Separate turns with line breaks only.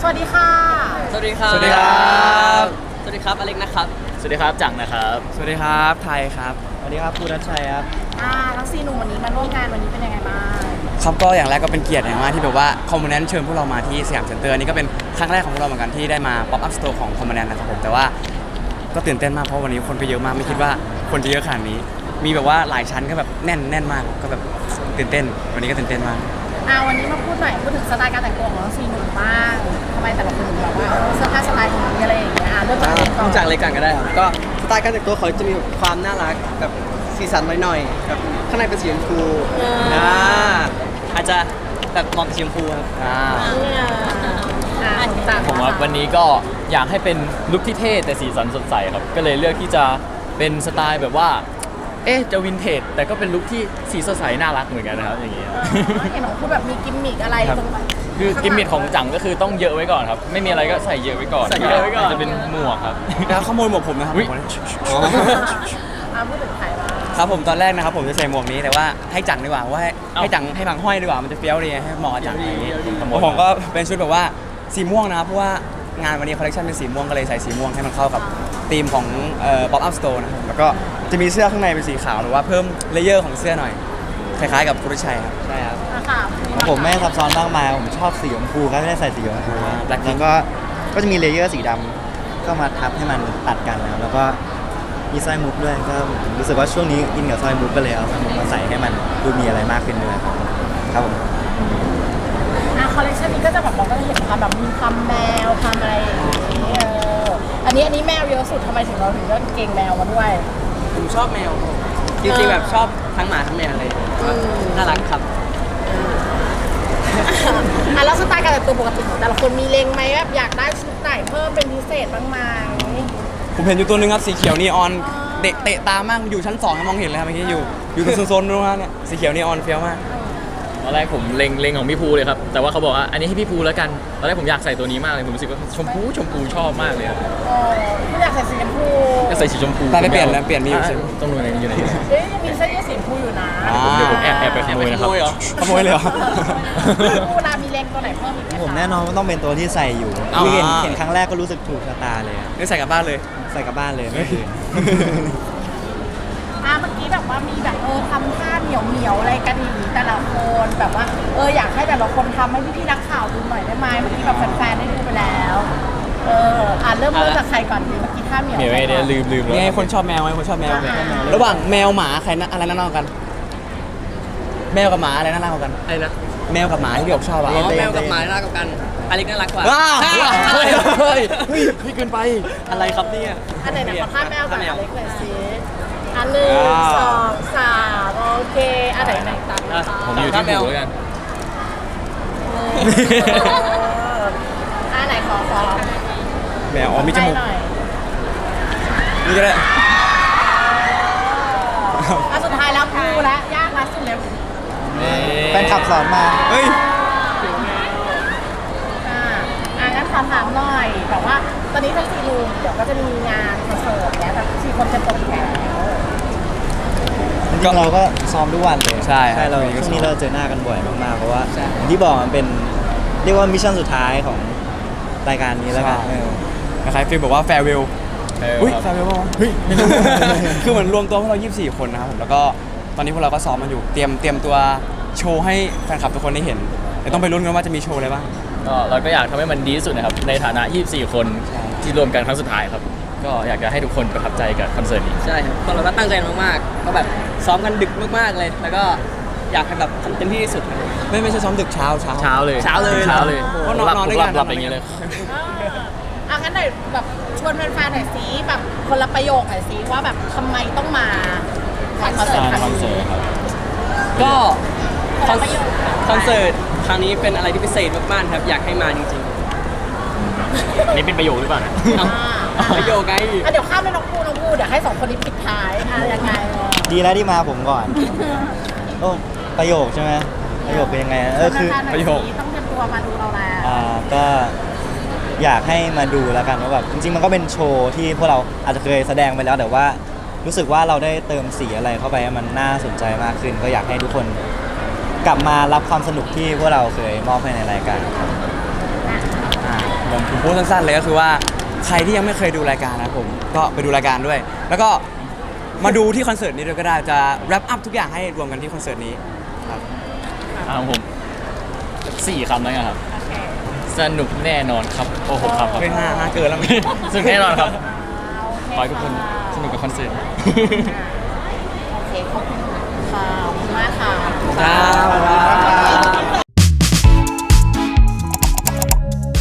วัสดีค่ะ
สวัสดีครับ
สวัสดีครับ
สวัสดีครับอเล็กนะครับ
สวัสดีครับจังนะครับสวัสดีครับไทยครับสวัสดีครับภูรัชชัยครับ
ทั้ง4หนุ่มวันนี้มาร่วมงานวันนี้เป็นยังไงบ้าง
ครับก็อย่างแรกก็เป็นเกียรติอย่างมากที่แบบว่าคอมมูนแนนเชิญพวกเรามาที่สยามเซ็นเตอร์นี่ก็เป็นครั้งแรกของพวกเราเหมือนกันที่ได้มาป๊อปอัพสโตร์ของคอมมูนแนนนะครับผมแต่ว่าก็ตื่นเต้นมากเพราะวันนี้คนไปเยอะมากไม่คิดว่าคนจะเยอะขนาดนี้มีแบบว่าหลายชั้นก็แบบแน่นมากก็แบบตื่นเต้นวันนี้ก็ตื่นเต้นมาก
วันนี้มาพูดหน่อยพูดถึงสไตล์การแต่งตัวของทั้ง4หนุ่มบ้างทำไมแต่ละคนถึงแบบว่าเสื้อผ้าสไตล์ของนี้อะไรอย่างเงี้ยเริ่มจากเล็กก่อน
จากเล็กก่อนก็ได้ครับก็สไตล์การแต่งตัวเขาจะมีความน่ารักแบบสีสันหน่อยๆแบบข้างในเป็นสีชมพูอาจจะแบบมองสีชมพูครับ
ผมว่าวันนี้ก็อยากให้เป็นลุคที่เท่แต่สีสันสดใสครับก็เลยเลือกที่จะเป็นสไตล์แบบว่าจะวินเทจแต่ก็เป็นลุคที่สีสดใสน่ารักเหมือนกันนะครับอย่างเงี้ย
เห็นของคุณแบบมีกิมมิกอะไรตรงไหน
คือกิมมิคของจังก็คือต้องเยอะไว้ก่อนครับไม่มีอะไรก็ใส่เยอะไว้ก่อนจะเป็นหมวกครับ
แล้วขโมยหมวกผมนะครับ
พูดถึงใครบ้าง
ครับผมตอนแรกนะครับผมจะใส่หมวกนี้แต่ว่าให้จังดีกว่าว่าให้จังให้พังห้อยดีกว่ามันจะเฟี้ยวดีให้เหมาะกับจังอย่างนี้ผมก็เป็นชุดแบบว่าสีม่วงนะครับเพราะว่างานวันนี้คอลเลคชันเป็นสีม่วงก็เลยใส่สีม่วงให้มันเข้ากับธีมของPop Up Store นะครับแล้วก็จะมีเสื้อข้างในเป็นสีขาวหรือว่าเพิ่มเลเยอร์ของเสื้อหน่อยคล้ายๆกับคุณชัยครับ
ใช่ครับผมไม่ซับซ้อนมากมายผมชอบสีชมพูครับไม่ได้ใส่สีชมพูแล้วก็จะมีเลเยอร์สีดำก็มาทับให้มันตัดกันแล้วก็มีสร้อยมุกด้วยก็รู้สึกว่าช่วงนี้อินกับสร้อยมุกก็เลยเอาสร้อยมุกมาใส่ให้มันดูมีอะไรมากขึ้นด้วยครับผม
คอลเลคชันนี้ก็จะแบบเราก็จะเห็นความแบบมีความแมวความอะไรอย่างนี้อันนี้แมวเยอะสุดทำไมถึงเราถึงเลือกเกงแมวมาด้วย
ผมชอบแมวจริงๆแบบชอบทั้งหมาทั้งแมวเลยน่ารักครับ
แล้วสไตล์การแต่งตัวปกติของแต่ละคนมีเล็งไหมแบบอยากได้ชุดไหนเพิ่มเป็นพิเศษบ้างไหม
ผมเห็นอยู่ตัวนึงครับสีเขียวนีออนเตะตามากอยู่ชั้น2มองเห็นเลยครับเมื่อกี้อยู่ตรงโซนนู้นนะเนี่ยสีเขียวนีออนเฟี้ยวมาก
ตอนแรกผมเล็งของพี่ภูเลยครับแต่ว่าเขาบอกว่าอันนี้ให้พี่ภูแล้วกันตอนแรกผมอยากใส่ตัวนี้มากเลยผมรู้สึกว่าชมพูชอบมากเลยครับ
ไม่อยากใส่สีชมพู
อยากใส่สีชมพู
แต่ได้เปลี่ยนแล้วเปลี่ยนมีอยู่
ต้องดูในอยู่ไหน
ยังมีเสื้อยืดสีชมพูอยู่นะ
เดี๋ยวผมแอบไปขโมยนะครับ
ขโมยเลยเหรอ
ภูรามีเล็งตัวไหนเพิ่มอีกไหม
ผมแน่นอนว่าต้องเป็นตัวที่ใส่อยู่เห็นครั้งแรกก็รู้สึกถูกชะตาเลย
นี่ใส่กลับบ้านเลย
ใส่กลับบ้านเลยไม่คืน
เมื่อกี้แบบว่ามีแบบทำท่าเหนียวอะไรกันอย่างนี้แต่ละคนแบบว่าอยากให้แต่ละคนทำให้พี่นักข่าวดูหน่อยได้ไหมเมื่อกี้แบบแฟนๆได้ดูไปแล้วเริ่มจากใครก่อนดีเมื่อกี้ท่าเหนียว
เนี่ยลืม
นี่คนชอบแมวไหมคนชอบแมวระหว่างแมวหมาใครอะไรน่ารักกันแมวกับหมาอะไรน่ารักกัน
อะไรนะ
แมวกับหมาที่พี่บอกชอบ
แมวกับหมาน่ารักกันอเล็กน่ารักกว่า
เฮ้ยพี่เกินไป
อะไรครับเนี่ย
อันไหนขอท่าแมวกับอเล็กเลยสิ1 2 3โอเคอันไหนตัด
ผมอยู่ที่หูแล้วกัน
ไหนขอ
แมวมีจมูกนี่ก็ได้
สุดท้ายแล้วภูและยากละสุดแล้ว
แฟนขับสอนมา
เฮ้ย
งั้นขอถามหน่อยแบบว่าตอนนี้ทั้ง4 ลุงเดี๋ยวก็จะมีงานคอนเสิร์ตเนี้ยแบบ4 คนจะตกแถว
เราก็ซ้อมทุกวันเลย
ใช่
เราช่วงนี้เราเจอหน้ากันบ่อยมากๆเพราะว่าที่บอกมันเป็นเรียกว่ามิชชั่นสุดท้ายของรายการนี้แล้วกัน
คล้ายๆฟีลบอกว่าแฟร์เวลแฟร์เวลป่ะเฮ้ยไม่รู้คือเหมือนรวมตัวพวกเรา24 คนนะครับผมแล้วก็ตอนนี้พวกเราก็ซ้อมมันอยู่เตรียมตัวโชว์ให้แฟนคลับทุกคนได้เห็นแต่ต้องไปลุ้นกันว่าจะมีโชว์อะไรบ้าง
เราก็อยากทำให้มันดีที่สุดนะครับในฐานะ24 คนที่รวมกันครั้งสุดท้ายครับก็อยากจะให้ทุกคนประทับใจกับคอนเสิร์ตนี้
ใช่ครับพวกเราก็ตั้งใจมากๆก็แบบซ้อมกันดึกมากๆเลยแล้วก็อยากให้แบบทำเต็มที่ที่สุด
ไม่ใช่ซ้อมดึกเช้า
เลย
เพราะนอนด้วยกัน
หลับอย่างเงี้ยเลย
งั้นหน่อยแบบชวนแฟนๆหน่อยสิแบบคนละประโยคหน่อยสิว่าแบบทำไมต้องมาคอนเสิร์ตครั้งนี้
ก็คอนเสิร์ตครั้งนี้เป็นอะไรที่พิเศษมากๆครับอยากให้มาจริง
ๆนี่เป็นประโยคหรือเปล่า
ประโยคไง
เดี๋ยวข้ามไปน้องพูเดี๋ยวให้2 คนนี้ปิดท้ายยังไง
ดีแล้วที่มาผมก่อนประโยคใช่ไหมประโยคเป็นยังไง
คือประโยคต้องเตรียมตัวมาดูเราแล้ว
ก็อยากให้มาดูแล้วกันว่าแบบจริงๆมันก็เป็นโชว์ที่พวกเราอาจจะเคยแสดงไปแล้วแต่ว่ารู้สึกว่าเราได้เติมสีอะไรเข้าไปให้มันน่าสนใจมากขึ้นก็อยากให้ทุกคนกลับมารับความสนุกที่พวกเราเคยมอบให้ในรายการ
ผมพูดสั้นๆเลยก็คือว่าใครที่ยังไม่เคยดูรายการนะครับผมก็ไปดูรายการด้วย แล้วก็มาดูที่คอนเสิร์ตนี้ด้วยก็ได้จะแรปอัพทุกอย่างให้รวมกันที่คอนเสิร์ตนี้ครับ
ผม4 คำแล้วกันครับ สนุกแน่นอนครับ โอ้โหครับครับ
เฮ้ยห้าเกินแล้วมั้ย
สนุกแน่นอนครับ
โอเค
ขอให้ทุกคนสนุกกับคอนเสิร์ต
โอเคขอบคุณค่ะขอบคุณมากค่ะ
ครับ